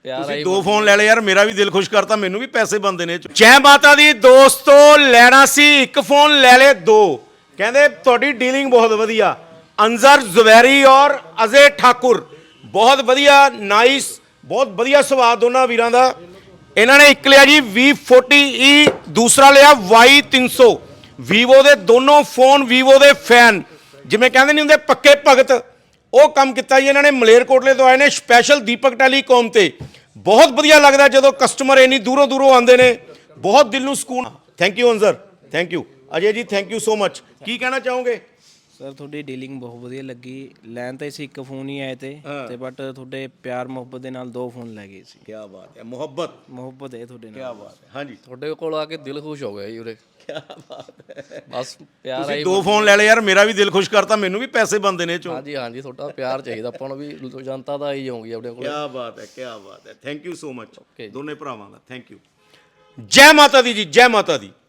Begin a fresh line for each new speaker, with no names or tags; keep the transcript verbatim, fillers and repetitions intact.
ਤੁਸੀਂ ਦੋ ਫੋਨ ਲੈ ਲਏ ਯਾਰ, ਮੇਰਾ ਵੀ ਦਿਲ ਖੁਸ਼ ਕਰਤਾ, ਮੈਨੂੰ ਵੀ ਪੈਸੇ ਬਣਦੇ ਨੇ। ਜੈ ਮਾਤਾ ਦੀ ਦੋਸਤੋ, ਲੈਣਾ ਸੀ ਇੱਕ ਫੋਨ, ਲੈ ਲੈ ਦੋ। ਕਹਿੰਦੇ ਤੁਹਾਡੀ ਡੀਲਿੰਗ ਬਹੁਤ ਵਧੀਆ। ਅੰਜ਼ਰ ਜ਼ੁਬੈਰੀ ਔਰ ਅਜੇ ਠਾਕੁਰ, ਬਹੁਤ ਵਧੀਆ, ਨਾਈਸ, ਬਹੁਤ ਵਧੀਆ ਸੁਭਾਅ ਦੋਨਾਂ ਵੀਰਾਂ ਦਾ। ਇਹਨਾਂ ਨੇ ਇੱਕ ਲਿਆ ਜੀ ਵੀ ਫੋਰਟੀ ਈ, ਦੂਸਰਾ ਲਿਆ ਵਾਈ ਤਿੰਨ ਸੌ। ਵੀਵੋ ਦੇ ਦੋਨੋਂ ਫੋਨ, ਵੀਵੋ ਦੇ ਫੈਨ, ਜਿਵੇਂ ਕਹਿੰਦੇ ਨਹੀਂ ਹੁੰਦੇ ਪੱਕੇ ਭਗਤ, ਉਹ ਕੰਮ ਕੀਤਾ ਜੀ ਇਹਨਾਂ ਨੇ। ਮਲੇਰਕੋਟਲੇ ਤੋਂ ਆਏ ਨੇ ਸਪੈਸ਼ਲ ਦੀਪਕ ਟੈਲੀਕਾਮ ਤੇ। ਬਹੁਤ ਵਧੀਆ ਲੱਗਦਾ ਜਦੋਂ ਕਸਟਮਰ ਇੰਨੀ ਦੂਰੋਂ ਦੂਰੋਂ ਆਉਂਦੇ ਨੇ, ਬਹੁਤ ਦਿਲ ਨੂੰ ਸਕੂਨ। Thank you Anzar, thank you Ajay ji, thank you so much. ਕੀ ਕਹਿਣਾ ਚਾਹੋਗੇ?
ਸਰ ਤੁਹਾਡੀ ਡੀਲਿੰਗ ਬਹੁਤ ਵਧੀਆ ਲੱਗੀ। ਲੈਣ ਤਾਂ ਅਸੀਂ ਇੱਕ ਫੋਨ ਹੀ ਆਏ ਤੇ ਤੇ ਬਟ ਤੁਹਾਡੇ ਪਿਆਰ ਮੁਹੱਬਤ ਦੇ ਨਾਲ ਦੋ ਫੋਨ ਲੈ ਗਏ ਸੀ।
ਕੀ ਬਾਤ ਹੈ, ਮੁਹੱਬਤ
ਮੁਹੱਬਤ ਹੈ ਤੁਹਾਡੇ ਨਾਲ।
ਕੀ ਬਾਤ ਹੈ। ਹਾਂਜੀ,
ਤੁਹਾਡੇ ਕੋਲ ਆ ਕੇ ਦਿਲ ਖੁਸ਼ ਹੋ ਗਿਆ ਜੀ ਉਰੇ।
ਕੀ ਬਾਤ ਹੈ।
ਬਸ ਪਿਆਰ
ਤੁਸੀਂ
ਆਈ।
ਦੋ ਫੋਨ ਲੈ ਲਏ ਯਾਰ, ਮੇਰਾ ਵੀ ਦਿਲ ਖੁਸ਼ ਕਰਤਾ, ਮੈਨੂੰ ਵੀ ਪੈਸੇ ਬਣਦੇ ਨੇ ਚੋਂ।
ਹਾਂਜੀ ਹਾਂਜੀ, ਤੁਹਾਡਾ ਪਿਆਰ ਚਾਹੀਦਾ ਆਪਾਂ ਨੂੰ ਵੀ, ਜਨਤਾ ਦਾ ਹੀ ਹੋਊਗੀ ਆਪਣੇ ਕੋਲ।
ਕੀ ਬਾਤ ਹੈ, ਕੀ ਬਾਤ ਹੈ। ਥੈਂਕ ਯੂ ਸੋ ਮਚ
ਜੀ।
ਦੋਨੇ ਭਰਾਵਾਂ ਦਾ, ਥੈਂਕ ਯੂ। ਜੈ ਮਾਤਾ ਦੀ ਜੀ, ਜੈ ਮਾਤਾ ਦੀ।